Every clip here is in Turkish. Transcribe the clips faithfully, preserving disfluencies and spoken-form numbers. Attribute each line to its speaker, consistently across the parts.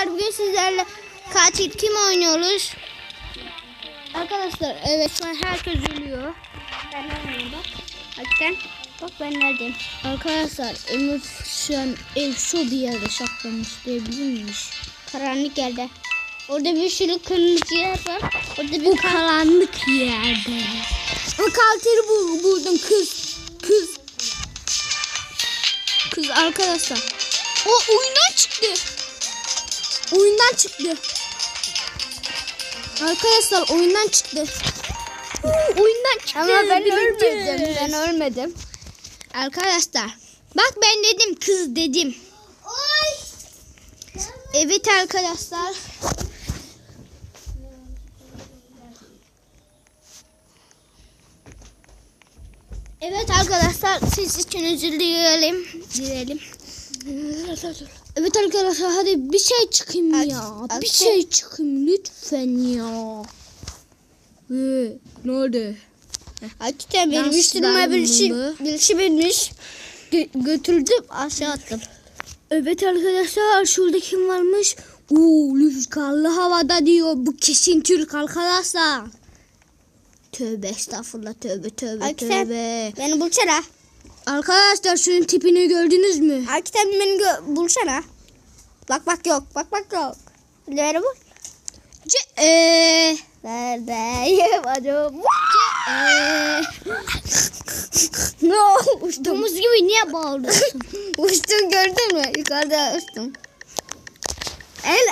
Speaker 1: arkadaşlar bugün sizlerle katil kim oynuyoruz? Arkadaşlar evet şu an herkes ölüyor. Ben oynuyorum bak. Hakikaten bak ben neredeyim? Arkadaşlar Emir şu an ev şu bir yerde saklamış diyebilir miyiz? Karanlık yerde. Orada bir sürü kırmızı yer var. Orada bir bu karanlık yerde. O katili bul buldum kız. Kız. Kız arkadaşlar. O oyundan çıktı. Oyundan çıktı. Arkadaşlar oyundan çıktı. Oyundan çıktı. Ama ben ölmedim. Ben ölmedim. Arkadaşlar. Bak ben dedim kız dedim. Evet arkadaşlar. Evet arkadaşlar siz için özür dileyelim. Dileyelim. Evet arkadaşlar hadi bir şey çıkayım ya. Al, bir şey çıkayım lütfen ya. Ee, ne oldu? Hakikaten benim üstüme bir şey, bir şey binmiş. Gö- götürdüm aşağı attım. Evet arkadaşlar şurada kim varmış? Uuu rüzgarlı havada diyor. Bu kesin Türk arkadaşlar. Tövbe estağfurullah tövbe tövbe Hakikaten tövbe. Beni bulsana. Arkadaşlar şunun tipini gördünüz mü? Hakikaten beni gö- bulsana. Bak bak yok. Bak bak yok. Nerede bu? Ce eee. Neredeyim acaba? Ce eee. No. Uçtum. Domuz gibi niye bağırıyorsun? Uçtum gördün mü? Yukarıda uçtum. El.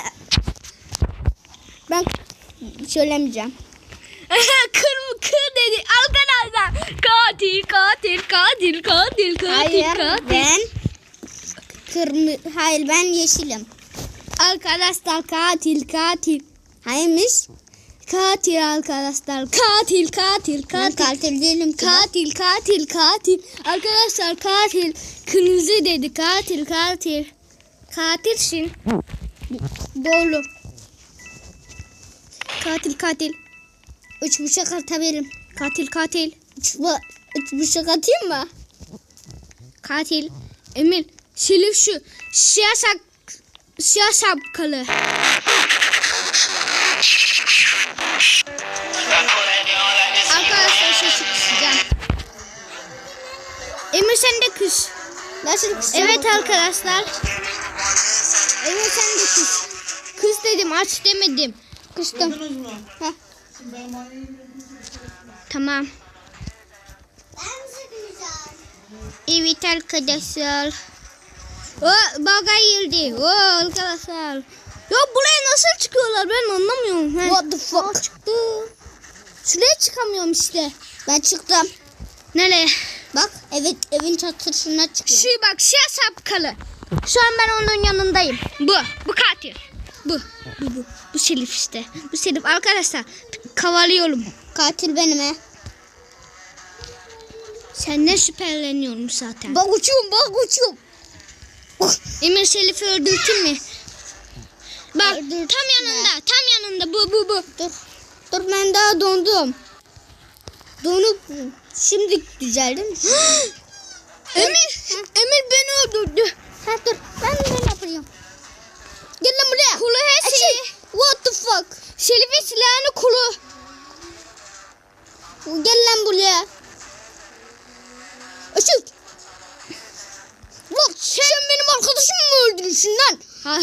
Speaker 1: Ben söylemeyeceğim. Kır kır dedi arkadaşlar. Katil katil katil katil katil Hayır, katil. Ben kırmızı. Hayır ben yeşilim. Arkadaşlar katil katil. Hayırmış? Katil arkadaşlar. Katil katil katil. Ben katil değilim ki. Katil katil katil. Arkadaşlar katil kırmızı dedi. Katil katil. Katilsin. Doğru. Katil katil. Üç bıçak atabilirim. Katil katil. Üç, üç bıçak atayım mı? Katil. Emir. Silif şu. Siyah sak. Siyah sapkalı. Arkadaşlar sesi kısacağım. Emir sen de kız. Nasıl kısacağım? Evet arkadaşlar. Emir sen de kız. Kız dedim aç demedim. Kıstım. Heh. Tamam. Evet arkadaşlar. O baga girdi. O arkadaşlar. Ya buraya nasıl çıkıyorlar ben anlamıyorum. He. What the fuck? Aa, çıktı. Şuraya çıkamıyorum işte. Ben çıktım. Nereye? Bak evet evin çatısına çıkıyor. Şu bak siyah sapkalı. Şu an ben onun yanındayım. Bu. Bu katil. Bu. Bu bu. Bu Selif işte. Bu Selif arkadaşlar. Kavalıyorum. Katil benim he. Senden şüpheleniyorum zaten. Bak uçuyorum bak uçuyorum. Emir Selif'i öldürtün mü? Bak Öldürtün tam yanında mi? Tam yanında bu bu bu. Dur. Dur ben daha dondum. Donup şimdi düzeldim. Emir. Ha. Emir beni öldürdü. Ha dur ben ne yapıyorum? Gel lan buraya. Kulu her şeyi. What the fuck? Selif'in silahını kulu. Gel lan buraya. Açık. Bak sen, sen benim arkadaşımı mı öldürürsün lan? Ha.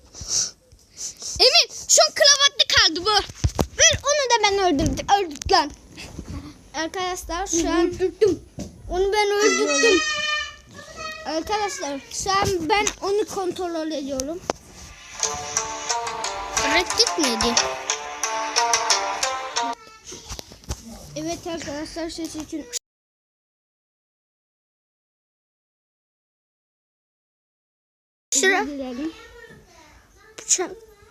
Speaker 1: Emin şu an kravatlı kaldı bu. Ver onu da ben öldürdüm. Öldürdüm lan. Arkadaşlar şu an öldürdüm. Onu ben öldürdüm. Arkadaşlar şu an ben onu kontrol ediyorum. Bıraktık mıydı? Evet arkadaşlar ses için. Şura. Bıçak.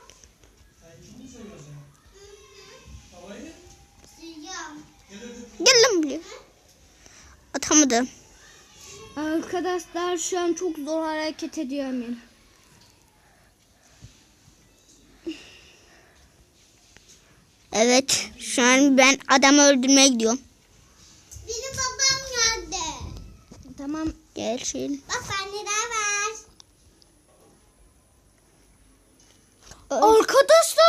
Speaker 1: Gel lan buraya. Atamadım. Arkadaşlar şu an çok zor hareket ediyor Emin. Evet şu an ben adamı öldürmeye gidiyorum. Benim babam nerede? Tamam gel şimdi. Bak bende de var. Arkadaşlar